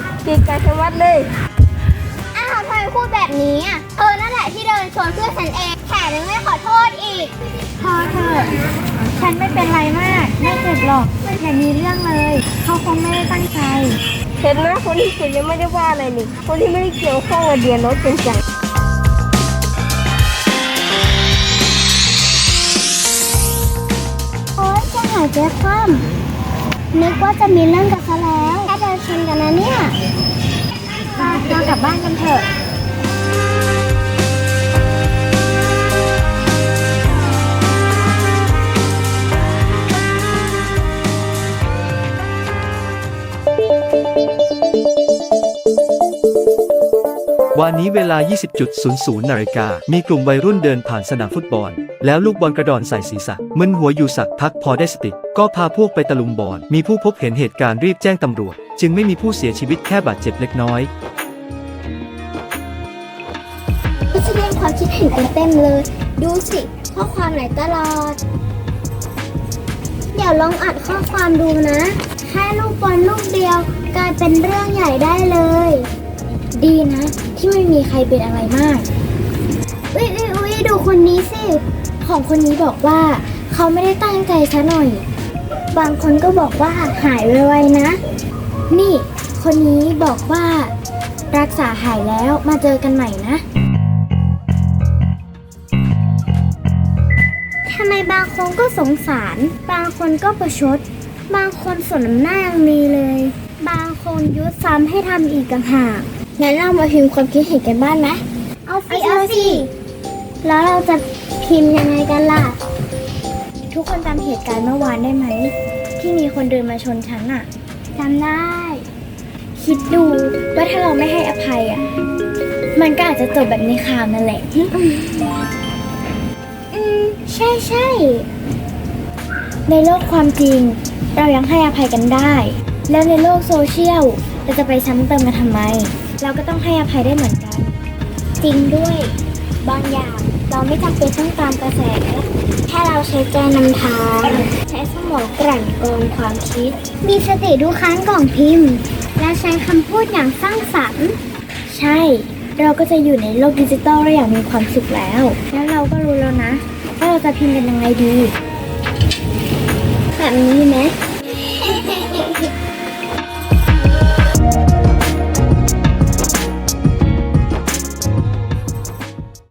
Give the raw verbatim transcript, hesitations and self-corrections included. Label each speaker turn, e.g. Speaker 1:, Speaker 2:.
Speaker 1: เก่งกาจชะมัดเลย
Speaker 2: อ้าวทำไมพูดแบบนี้อ่ะเออนั่นแหละที่เดินชนเพื่อนฉันเองแถมยังไม่ขอโทษอีก
Speaker 3: พอเถอะฉันไม่เป็นไรมากไม่เจ็บหรอกอย่ามีเรื่องเลยเขาคงไม่ได้ตั้งใจ
Speaker 1: เห็นนะคนที่เจ็บยังไม่ได้ว่าอะไรเลยคนที่ไม่ได้เกี่ยวข้องกับเดียนรถเป็นจัง
Speaker 2: โอ๊ยจะหายใจคว่ำนึกว่าจะมีเรื่องกันซะแล้วแค่เดินชนกันนะเนี่ย
Speaker 3: เรากลับบ้านกันเถอะ
Speaker 4: วันนี้เวลา ยี่สิบนาฬิกา มีกลุ่มวัยรุ่นเดินผ่านสนามฟุตบอล แล้วลูกบอลกระดอนใส่ศีรษะมึนหัวอยู่สักพักพอได้สติก็พาพวกไปตะลุมบอล มีผู้พบเห็นเหตุการณ์รีบแจ้งตำรวจ จึงไม่มีผู้เสียชีวิตแค่บาดเจ็บเล็กน้อย
Speaker 2: แสดงความคิดเห็นกันเต็มเลยดูสิข้อความไหนตลอดเดี๋ยวลองอัดข้อความดูนะแค่ลูกบอลลูกเดียวกลายเป็นเรื่องใหญ่ได้เลยดีนะที่ไม่มีใครเป็นอะไรมากอุ๊ยอุ๊ยอุ๊ยดูคนนี้สิของคนนี้บอกว่าเขาไม่ได้ตั้งใจซะหน่อยบางคนก็บอกว่าหายไวๆนะนี่คนนี้บอกว่ารักษาหายแล้วมาเจอกันใหม่นะทำไมบางคนก็สงสารบางคนก็ประชดบางคนสนน้ำหน้ายังมีเลยบางคนยุซ้ำให้ทำอีกต่างหากงั้นเรามาพิมพ์ความคิดเห็นกันบ้างไหมเอาสิเอาสิแล้วเราจะพิมพ์ยังไงกันล่ะทุกคนจำเหตุการณ์เมื่อวานได้ไหมที่มีคนเดินมาชนฉันอะจำได้คิดดูว่าถ้าเราไม่ให้อภัยอะมันก็อาจจะจบแบบในข่าวนั่นแหละอืมใช่ใช่ในโลกความจริงเรายังให้อภัยกันได้แล้วในโลกโซเชียลเราจะไปซ้ำเติมมาทำไมเราก็ต้องให้อภัยได้เหมือนกันจริงด้วยบางอย่างเราไม่จำเป็นต้องตามกระแสแค่เราใช้ใจนำทางใช้สมองกลั่นกรองความคิดมีสติดูค้างกล่องพิมพ์และใช้คำพูดอย่างสร้างสรรค์ใช่เราก็จะอยู่ในโลกดิจิตอลได้อย่างมีความสุขแล้วแล้วเราก็รู้แล้วนะว่าเราจะพิมพ์กันยังไงดีแบบนี้ไหม